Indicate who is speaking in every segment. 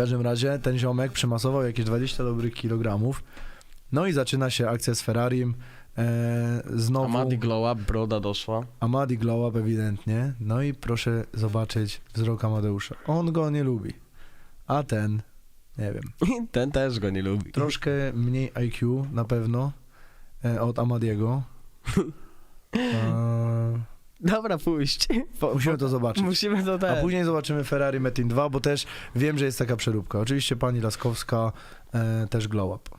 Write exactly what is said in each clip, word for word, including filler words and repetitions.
Speaker 1: każdym razie ten ziomek przymasował jakieś dwadzieścia dobrych kilogramów. No i zaczyna się akcja z Ferrarim. E, znowu...
Speaker 2: Amadi glow up, broda doszła.
Speaker 1: Amadi glow up ewidentnie. No i proszę zobaczyć wzrok Amadeusza. On go nie lubi. A ten, nie wiem.
Speaker 2: Ten też go nie lubi.
Speaker 1: Troszkę mniej I Q na pewno e, od Amadiego. E,
Speaker 2: Dobra, pójść. Po,
Speaker 1: musimy to zobaczyć.
Speaker 2: Musimy to
Speaker 1: A
Speaker 2: też.
Speaker 1: później zobaczymy Ferrari Metin dwa, bo też wiem, że jest taka przeróbka. Oczywiście pani Laskowska e, też glow up.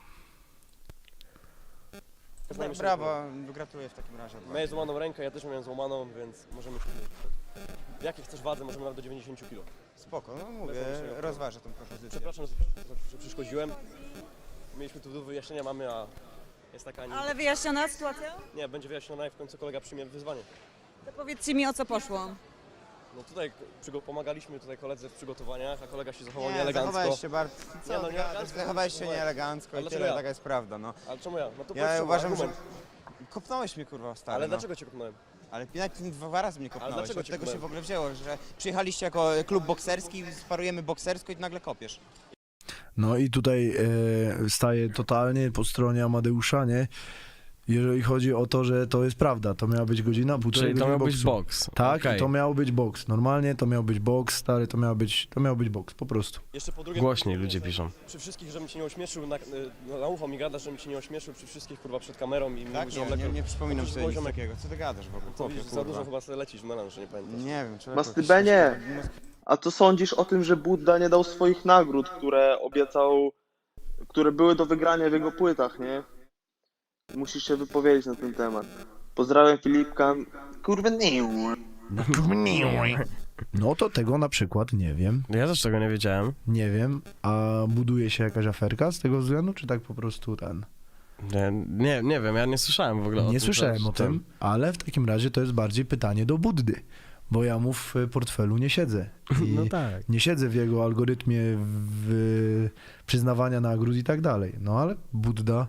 Speaker 3: No, brawo, gratuluję w takim razie.
Speaker 4: Miałeś złamaną rękę, ja też miałem złamaną, więc możemy się... W jakiej chcesz wadze, możemy nawet do dziewięćdziesięciu kilo.
Speaker 3: Spoko, no mówię,
Speaker 4: Bez zamieszania.
Speaker 3: rozważę tą propozycję.
Speaker 4: Przepraszam, że, że przeszkodziłem. Mieliśmy tu do wyjaśnienia, mamy, a jest taka... Nie,
Speaker 5: Ale wyjaśniona sytuacja?
Speaker 4: nie, będzie wyjaśniona i w końcu kolega przyjmie wyzwanie.
Speaker 5: To powiedzcie mi, o co poszło.
Speaker 4: No tutaj przygo- pomagaliśmy tutaj koledze w przygotowaniach, a kolega się zachował
Speaker 3: Nie,
Speaker 4: nieelegancko.
Speaker 3: zachowałeś się bardzo...
Speaker 4: Nie, no,
Speaker 3: Co ty
Speaker 4: nieelegancko,
Speaker 3: gadasz? Zachowałeś się
Speaker 4: zachowałem.
Speaker 3: nieelegancko
Speaker 4: Ale
Speaker 3: i
Speaker 4: dlaczego
Speaker 3: tyle,
Speaker 4: ja?
Speaker 3: taka jest prawda, no.
Speaker 4: Ale czemu ja? No to
Speaker 3: Ja
Speaker 4: powiedz,
Speaker 3: uważam, że...
Speaker 4: argument.
Speaker 3: Kopnąłeś mnie, kurwa, stary,
Speaker 4: Ale
Speaker 3: no.
Speaker 4: dlaczego cię kopnąłem?
Speaker 3: Ale nawet dwa razy mnie kopnąłeś,
Speaker 4: dlaczego
Speaker 3: od
Speaker 4: cię
Speaker 3: tego się
Speaker 4: kopnąłem?
Speaker 3: w ogóle wzięło, że przyjechaliście jako klub bokserski, sparujemy boksersko i nagle kopiesz.
Speaker 1: No i tutaj e, staję totalnie po stronie Amadeusza, nie? Jeżeli chodzi o to, że to jest prawda, to miała być godzina, półtorej
Speaker 2: Czyli to
Speaker 1: godziny
Speaker 2: miał być
Speaker 1: boksu.
Speaker 2: boks.
Speaker 1: Tak,
Speaker 2: Okej.
Speaker 1: i to miał być boks. Normalnie to miał być boks, stary, to miał być, to miał być boks, po prostu.
Speaker 4: Jeszcze po drugie...
Speaker 2: Głośniej ludzie piszą.
Speaker 4: Przy wszystkich, żebym cię nie ośmieszył, na, na, na ucho mi gada, żebym cię nie ośmieszył przy wszystkich, kurwa, przed kamerą i
Speaker 3: Tak?
Speaker 4: mówił, że
Speaker 3: Nie,
Speaker 4: mam
Speaker 3: nie,
Speaker 4: lekko...
Speaker 3: nie przypominam
Speaker 4: Przecież
Speaker 3: sobie nic
Speaker 4: poziomek-
Speaker 3: takiego. Co ty gadasz w ogóle?
Speaker 4: To
Speaker 3: Chłopie,
Speaker 4: widzisz, za
Speaker 3: kurwa.
Speaker 4: dużo chyba sobie lecisz w melanż, nie pamiętasz.
Speaker 3: Nie wiem, człowieku.
Speaker 6: Mastybenie! A co sądzisz o tym, że Budda nie dał swoich nagród, które obiecał, które były do wygrania w jego płytach, nie? Musisz się wypowiedzieć na ten temat. Pozdrawiam Filipka. Kurwa nie.
Speaker 1: No to tego na przykład nie wiem,
Speaker 2: Ja też tego nie wiedziałem.
Speaker 1: nie wiem, a buduje się jakaś aferka z tego względu, czy tak po prostu ten...
Speaker 2: Nie, nie, nie wiem, ja nie słyszałem w ogóle o tym.
Speaker 1: Nie słyszałem
Speaker 2: że-
Speaker 1: o tym, ale w takim razie to jest bardziej pytanie do Buddy, bo ja mu w portfelu nie siedzę. I
Speaker 2: No tak.
Speaker 1: nie siedzę w jego algorytmie w przyznawania nagród i tak dalej. No ale Budda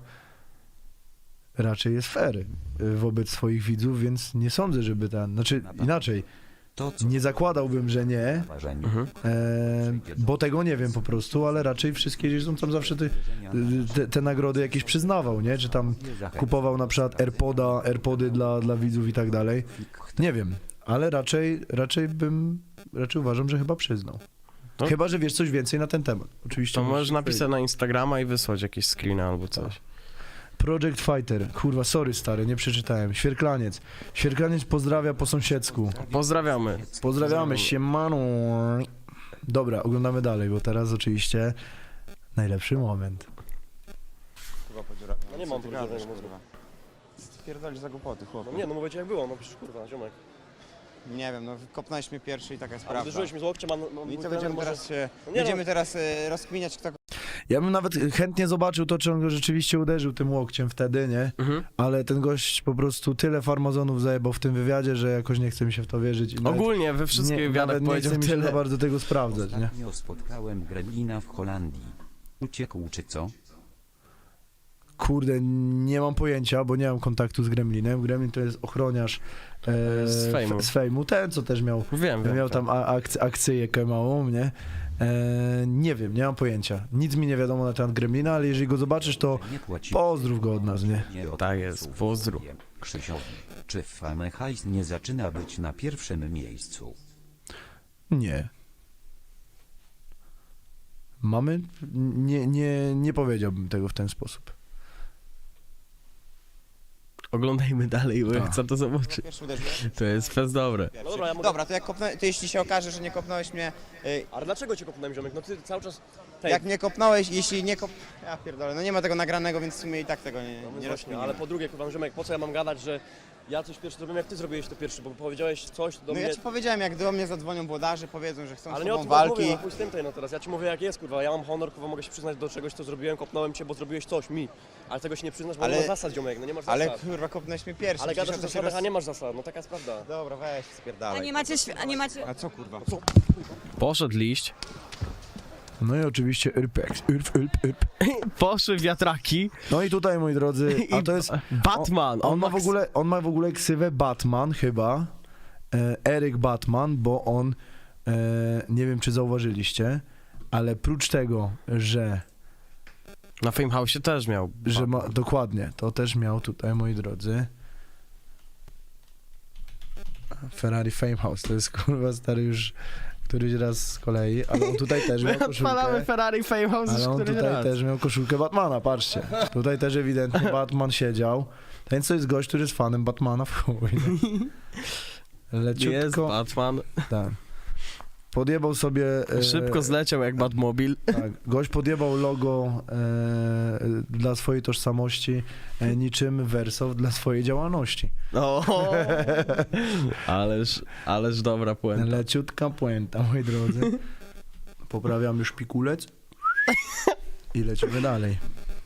Speaker 1: raczej jest fair wobec swoich widzów, więc nie sądzę, żeby ten... Znaczy inaczej,
Speaker 7: To, co
Speaker 1: nie zakładałbym, że nie,
Speaker 7: w ważeniu.
Speaker 2: Mhm.
Speaker 1: e, bo tego nie wiem po prostu, ale raczej wszystkie gdzieś są tam zawsze te, te, te nagrody jakieś przyznawał, nie? Czy tam kupował na przykład AirPoda, AirPody dla, dla widzów i tak dalej. Nie wiem, ale raczej, raczej bym, raczej uważam, że chyba przyznał.
Speaker 2: No.
Speaker 1: Chyba, że wiesz coś więcej na ten temat. Oczywiście.
Speaker 2: To
Speaker 1: musisz
Speaker 2: możesz napisać
Speaker 1: powiedzieć.
Speaker 2: na Instagrama i wysłać jakieś screeny albo coś.
Speaker 1: Project Fighter. Kurwa, sorry stary, nie przeczytałem. Świerklaniec. Świerklaniec pozdrawia po sąsiedzku.
Speaker 2: Pozdrawiamy.
Speaker 1: Pozdrawiamy, siemano. Dobra, oglądamy dalej, bo teraz oczywiście najlepszy moment.
Speaker 3: Kurwa, podziurawiam.
Speaker 4: No nie
Speaker 3: Co
Speaker 4: mam
Speaker 3: ty
Speaker 4: podziurawianego
Speaker 3: gadasz,
Speaker 4: mózgu.
Speaker 3: kurwa? Co ty pierdolisz za głupoty, chłopie?
Speaker 4: No nie, no mówię ci jak było, no przecież kurwa, ziomek.
Speaker 3: Nie wiem, no kopnąłeś mnie pierwszy i taka jest
Speaker 4: A
Speaker 3: prawda.
Speaker 4: uderzyłeś mi z łokciem, a no, no,
Speaker 3: I
Speaker 4: mój
Speaker 3: co
Speaker 4: trener
Speaker 3: będziemy
Speaker 4: może...
Speaker 3: teraz się...
Speaker 4: No nie
Speaker 3: Będziemy
Speaker 4: no.
Speaker 3: teraz e, rozkminiać, kto...
Speaker 1: Ja bym nawet chętnie zobaczył to, czy on go rzeczywiście uderzył tym łokciem wtedy, nie?
Speaker 2: Mhm.
Speaker 1: Ale ten gość po prostu tyle farmazonów zajebał w tym wywiadzie, że jakoś nie chce mi się w to wierzyć. I nawet
Speaker 2: Ogólnie we wszystkich
Speaker 1: nie,
Speaker 2: wywiadach
Speaker 1: nawet nie
Speaker 2: powiedział
Speaker 1: chce mi się za
Speaker 2: tyle.
Speaker 1: bardzo tego sprawdzać, nie?
Speaker 7: Ostatnio spotkałem gremlina w Holandii. Uciekł czy co?
Speaker 1: Kurde, nie mam pojęcia, bo nie mam kontaktu z Gremlinem. Gremlin to jest ochroniarz e,
Speaker 2: Z fejmu.
Speaker 1: z fejmu. Ten, co też miał,
Speaker 2: Wiem, wiem.
Speaker 1: miał tam a- akc- akcyjkę małą, nie? E, nie wiem, nie mam pojęcia. Nic mi nie wiadomo na temat Gremlina, ale jeżeli go zobaczysz, to
Speaker 7: Nie płaci.
Speaker 1: pozdrów go od nas, nie?
Speaker 7: Nie od
Speaker 2: Tak jest,
Speaker 7: psów.
Speaker 2: pozdrów.
Speaker 7: Krzysiowi, czy w Fame hajs nie zaczyna być na pierwszym miejscu?
Speaker 1: Nie. Mamy? Nie, nie, nie powiedziałbym tego w ten sposób.
Speaker 2: Oglądajmy dalej, bo ja
Speaker 1: Tak.
Speaker 2: chcę to zobaczyć.
Speaker 3: Pierwszy uderzyłeś.
Speaker 2: To jest fest dobre.
Speaker 4: No dobra, ja mogę...
Speaker 3: Dobra, to jak kopnę... to jeśli się okaże, że nie kopnąłeś mnie... y,
Speaker 4: Ale dlaczego cię kopnąłem, ziomek? No ty cały czas... Tej...
Speaker 3: Jak mnie kopnąłeś, jeśli nie kop... Ja pierdolę, no nie ma tego nagranego, więc w sumie i tak tego nie,
Speaker 4: No
Speaker 3: nie
Speaker 4: właśnie,
Speaker 3: rozkminimy.
Speaker 4: ale po drugie, kurwa, ziomek, po co ja mam gadać, że ja coś pierwszy zrobiłem, jak ty zrobiłeś to pierwszy, bo powiedziałeś coś do
Speaker 3: No
Speaker 4: mnie...
Speaker 3: ja ci powiedziałem, jak do mnie zadzwonią włodarze, powiedzą, że chcą
Speaker 4: Ale
Speaker 3: z
Speaker 4: nie o
Speaker 3: tobą
Speaker 4: tym
Speaker 3: walki.
Speaker 4: mówię, no chuj z tym tej, no teraz. Ja ci mówię jak jest, kurwa, ja mam honor, kurwa, mogę się przyznać do czegoś, co zrobiłem, kopnąłem cię, bo zrobiłeś coś mi. Ale tego się nie przyznasz, bo
Speaker 3: Ale-
Speaker 4: nie masz zasad, ziomek, no nie masz
Speaker 3: Ale
Speaker 4: zasad.
Speaker 3: kurwa, kopnąłeś mnie pierwszy.
Speaker 4: Ale
Speaker 3: przecież
Speaker 4: gadasz o
Speaker 3: to się
Speaker 4: zasadach,
Speaker 3: roz-
Speaker 4: a nie masz zasad, no taka jest prawda.
Speaker 3: Dobra, weź,
Speaker 5: A
Speaker 3: spierdalaj.
Speaker 5: nie macie, świ- a nie macie...
Speaker 3: A co kurwa?
Speaker 2: Poszedł liść.
Speaker 1: No i oczywiście Urpex. Urp, urp, urp.
Speaker 2: Poszły wiatraki.
Speaker 1: No i tutaj, moi drodzy, a to jest...
Speaker 2: Batman.
Speaker 1: On, on, ma w
Speaker 2: ks-
Speaker 1: ogóle, on ma w ogóle ksywę Batman chyba. E, Eryk Batman, bo on, e, nie wiem czy zauważyliście, ale prócz tego, że,
Speaker 2: Na Fame House też miał.
Speaker 1: że ma, dokładnie, to też miał tutaj, moi drodzy, Ferrari Fame House, to jest kurwa stary już któryś raz z kolei, ale on tutaj też miał
Speaker 2: Odpalamy
Speaker 1: koszulkę,
Speaker 2: Ferrari Fame House już
Speaker 1: ale on
Speaker 2: któryś
Speaker 1: tutaj
Speaker 2: raz.
Speaker 1: też miał koszulkę Batmana, patrzcie, tutaj też ewidentnie Batman siedział, ten co jest gość, który jest fanem Batmana w chuj, no.
Speaker 2: Jest
Speaker 1: Leciutko,
Speaker 2: Batman.
Speaker 1: tak. Podjebał sobie... e,
Speaker 2: Szybko zleciał jak Batmobil.
Speaker 1: Tak, gość podjebał logo e, dla swojej tożsamości, e, niczym Wersow dla swojej działalności.
Speaker 2: O, ależ, ależ dobra puenta.
Speaker 1: Leciutka puenta, moi drodzy. Poprawiamy szpikulec i lecimy dalej.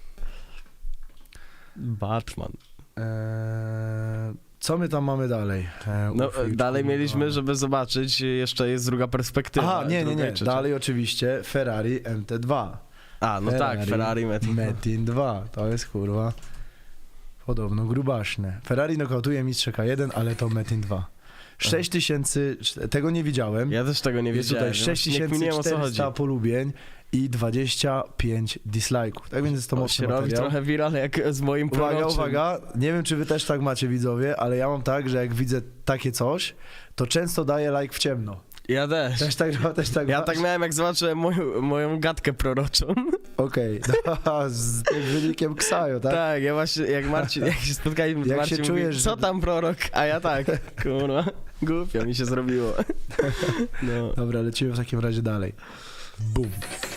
Speaker 2: Batman.
Speaker 1: E, co my tam mamy dalej? E,
Speaker 2: No,
Speaker 1: ufik,
Speaker 2: dalej
Speaker 1: kurwa.
Speaker 2: mieliśmy, żeby zobaczyć, jeszcze jest druga perspektywa.
Speaker 1: Aha, nie, nie,
Speaker 2: druga
Speaker 1: nie.
Speaker 2: i trzecia.
Speaker 1: Dalej oczywiście Ferrari M T dwa.
Speaker 2: A, no tak, Ferrari Metin.
Speaker 1: Metin dwa. To jest kurwa podobno grubaśne. Ferrari nokautuje mistrza K jeden, ale to Metin dwa. sześć tysięcy, tego nie widziałem.
Speaker 2: Ja też tego nie
Speaker 1: Jest
Speaker 2: wiedziałem.
Speaker 1: tutaj
Speaker 2: Właśnie niech mi nie wiem, o co chodzi.
Speaker 1: sześć tysięcy czterysta polubień i dwadzieścia pięć dislike'ów. Tak więc jest to
Speaker 2: To
Speaker 1: mocny
Speaker 2: się robi
Speaker 1: materiał.
Speaker 2: trochę viral jak z moim
Speaker 1: Uwaga,
Speaker 2: proroczym.
Speaker 1: uwaga, nie wiem czy wy też tak macie widzowie, ale ja mam tak, że jak widzę takie coś, to często daję like w ciemno.
Speaker 2: Ja też.
Speaker 1: Też tak, też tak
Speaker 2: Ja
Speaker 1: masz?
Speaker 2: tak miałem jak zobaczyłem moją, moją gadkę proroczą.
Speaker 1: Okej, okay. Z tym wynikiem Ksajo, tak?
Speaker 2: Tak, ja właśnie, jak Marcin, jak się spotkaliśmy, to
Speaker 1: Jak
Speaker 2: Marcin
Speaker 1: się
Speaker 2: mówi,
Speaker 1: czujesz,
Speaker 2: co
Speaker 1: że-
Speaker 2: tam prorok? A ja tak, kurwa, głupio mi się zrobiło. No.
Speaker 1: Dobra, lecimy w takim razie dalej. Bum.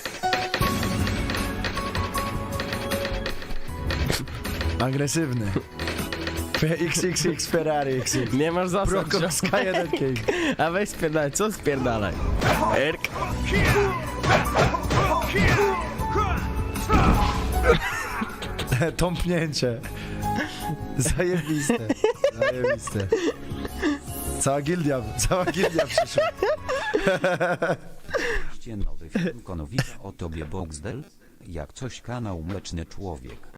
Speaker 1: Agresywny. X X X Ferrari X X.
Speaker 2: Nie masz zasad,
Speaker 1: Brokos
Speaker 2: ziom.
Speaker 1: K jeden King.
Speaker 2: A weź spierdalaj, co spierdalaj? Erk.
Speaker 1: Tąpnięcie. Zajebiste. Zajebiste. Cała gildia, cała gildia przyszła.
Speaker 7: Nowy film Konowica o tobie Boxdel? Jak coś kanał Mleczny Człowiek.